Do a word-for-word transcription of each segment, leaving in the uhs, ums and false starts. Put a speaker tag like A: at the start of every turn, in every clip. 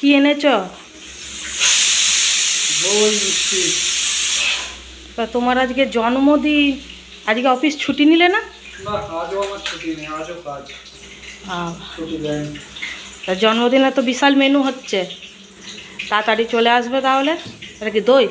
A: কি এনেছ? তোমার আজকে জন্মদিন, আজকে অফিস ছুটি নিলে না? তা জন্মদিনে তো বিশাল মেনু হচ্ছে, তাড়াতাড়ি চলে আসবে তাহলে। এটা কি দই?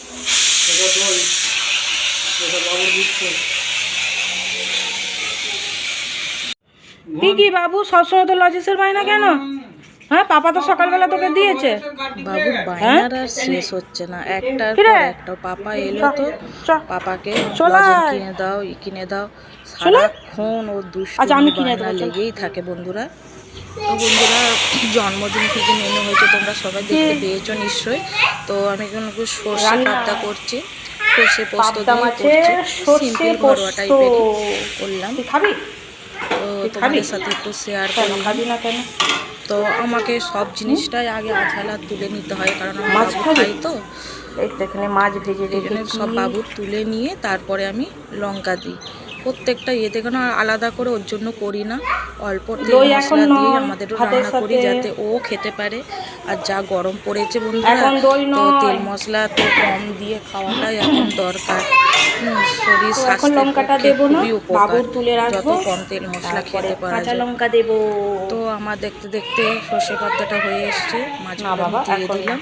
A: কি কি বাবু সবসময় তো লজিসের বায়না কেন? হ্যাঁ, পাপা তো সকালবেলা তোকে দিয়েছে।
B: বাবুর বায়নার আর শেষ হচ্ছে না, একটার পর একটা। পাপা এলো তো পাপাকে লজেন কিনে দাও, ই কিনে দাও, সারাক্ষণ ও দুষ্টুমি বায়না লেগেই থাকে বন্ধুরা। তো বন্ধুরা, জন্মদিন থেকে মেনু হয়েছে, তোমরা সবাই দেখতে পেয়েছো নিশ্চয়ই। তো আমি এখন সর্ষে পাবদা করছি, সর্ষে পোস্ত দিয়ে করছি, সিম্পল ঘরোয়া টাইপেরই করলাম। তো তোমাদের সাথে একটু শেয়ার করলাম। তো আমাকে সব জিনিসটাই আগে আঝালা তুলে নিতে হয়, কারণ আমি মাছ খাই। তো
A: এখানে মাছ ভেজে
B: এখানে সব বাবুর তুলে নিয়ে তারপরে আমি লঙ্কা দিই। প্রত্যেকটা ইয়েতে কেন আলাদা করে ওর জন্য করি না, অল্প তেল মশলা দিয়ে আমাদেরও রান্না করি যাতে ও খেতে পারে। আর যা গরম পড়েছে বন্ধুরা, তো তেল মশলা তো কম দিয়ে খাওয়াটাই এখন দরকার। শরীর স্বাস্থ্যের পক্ষে খুবই উপকার, যত কম তেল মশলা খেতে পারা যায়।
A: লঙ্কা দেবো।
B: তো আমার দেখতে দেখতে সর্ষে পাতাটা হয়ে এসছে, মাছগুলো দিয়ে দিলাম।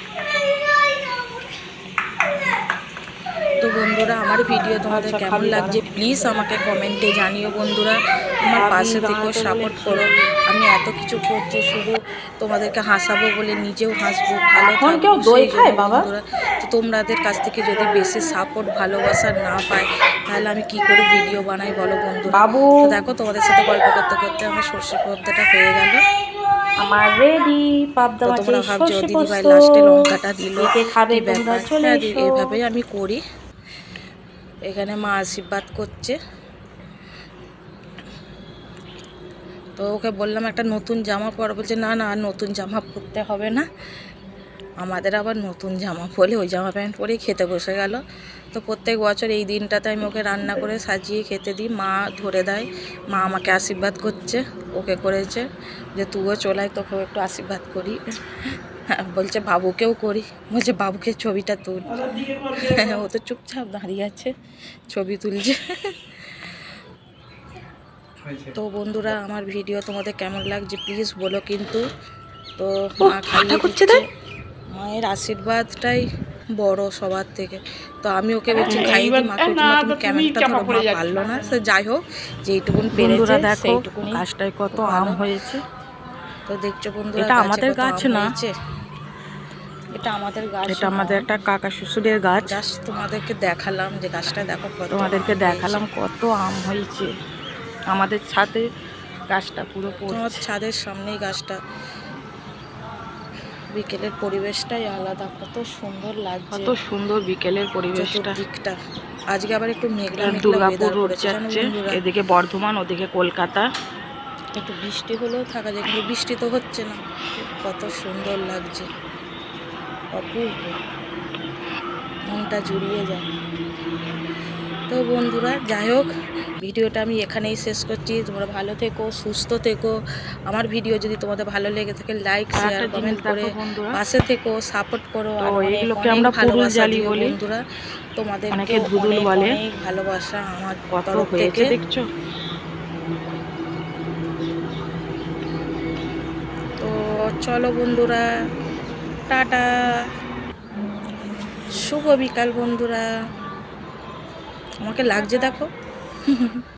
B: তো বন্ধুরা, আমার ভিডিও তোমাদের কেমন লাগছে প্লিজ আমাকে কমেন্টে জানিও বন্ধুরা। আমার পাশে থেকেও সাপোর্ট করো। আমি এত কিছু করছি শুধু তোমাদেরকে হাসাবো বলে, নিজেও হাসবো, ভালো থাকবো সেই জন্য বন্ধুরা। তো তোমাদের কাছ থেকে যদি বেশি সাপোর্ট ভালোবাসা না পাই, তাহলে আমি কি করে ভিডিও বানাই বলো বন্ধুরা। তো দেখো, তোমাদের সাথে গল্প করতে করতে আমার সর্ষে পাবদাটা হয়ে গেল।
A: আমার রেডি পাবদা মাছ।
B: তোমরা ভাবছো দিদিভাই লাস্টে লঙ্কাটা দিল কি ব্যাপার? হ্যাঁ, এইভাবেই আমি করি। এখানে মা আশীর্বাদ করছে। তো ওকে বললাম একটা নতুন জামা পর, বলছে না না নতুন জামা পরতে হবে না, আমাদের আবার নতুন জামা পরে ওই জামা প্যান্ট পরেই খেতে বসে গেল। তো প্রত্যেক বছর এই দিনটাতে আমি ওকে রান্না করে সাজিয়ে খেতে দিই, মা ধরে দেয়, মা আমাকে আশীর্বাদ করছে, ওকে করেছে যে তুইও চলাই তোকেও একটু আশীর্বাদ করি। হ্যাঁ, বলছে বাবুকেও করি, বলছে বাবুকে ছবিটা তুল। ও তো চুপচাপ দাঁড়িয়ে আছে, ছবি তুলছে। তো বন্ধুরা, আমার ভিডিও তোমাদের কেমন লাগছে প্লিজ বলো কিন্তু। তো মা খাইয়ে দিচ্ছে, মায়ের আশীর্বাদটাই বড় সবার থেকে। তো আমি ওকে বলছি খাইয়ে দিই, মাকে বলছি মা তুমি ক্যামেরাটা ধরো, মা পারলো না। সে যাই হোক, যেইটুকুন পেরেছে সেইটুকুনি।
A: গাছটায় কত আম হয়েছে।
B: তো দেখছো বন্ধুরা,
A: এটা আমাদের গাছ না,
B: এটা আমাদের গাছ,
A: এটা আমাদের একটা কাকা শ্বশুরের গাছ।
B: জাস্ট তোমাদেরকে দেখালাম যে গাছটা দেখো কত,
A: তোমাদেরকে দেখালাম কত আম হয়েছে। আমাদের ছাদে গাছটা পুরো
B: তোমার ছাদের সামনেই গাছটা। বিকেলের পরিবেশটাই আলাদা, কত সুন্দর লাগছে,
A: কত সুন্দর বিকেলের পরিবেশটা
B: দিকটা। আজকে আবার একটু মেঘলা মেঘলা
A: দুর্গাপুর রোড যাচ্ছে, এদিকে বর্ধমান ওদিকে কলকাতা।
B: একটু বৃষ্টি হলেও থাকা যায়, কিন্তু বৃষ্টি তো হচ্ছে না। কত সুন্দর লাগছে, অপূর্ব, মনটা জুড়িয়ে যায়। তো বন্ধুরা, যাই হোক, ভিডিওটা আমি এখানেই শেষ করছি। তোমরা ভালো থেকো, সুস্থ থেকো। আমার ভিডিও যদি তোমাদের ভালো লেগে থাকে লাইক শেয়ার কমেন্ট করে পাশে থেকো, সাপোর্ট করো। আর
A: এগুলোকে আমরা পুরুল জালি বলি
B: বন্ধুরা, তোমাদেরকে
A: অনেকে ধুদুল বলে।
B: অনেক ভালোবাসা আমার
A: কত
B: তরফ
A: হয়েছে
B: থেকে।
A: দেখছো।
B: তো চলো বন্ধুরা, টাটা, শুভ বিকাল বন্ধুরা। আমাকে লাগছে দেখো।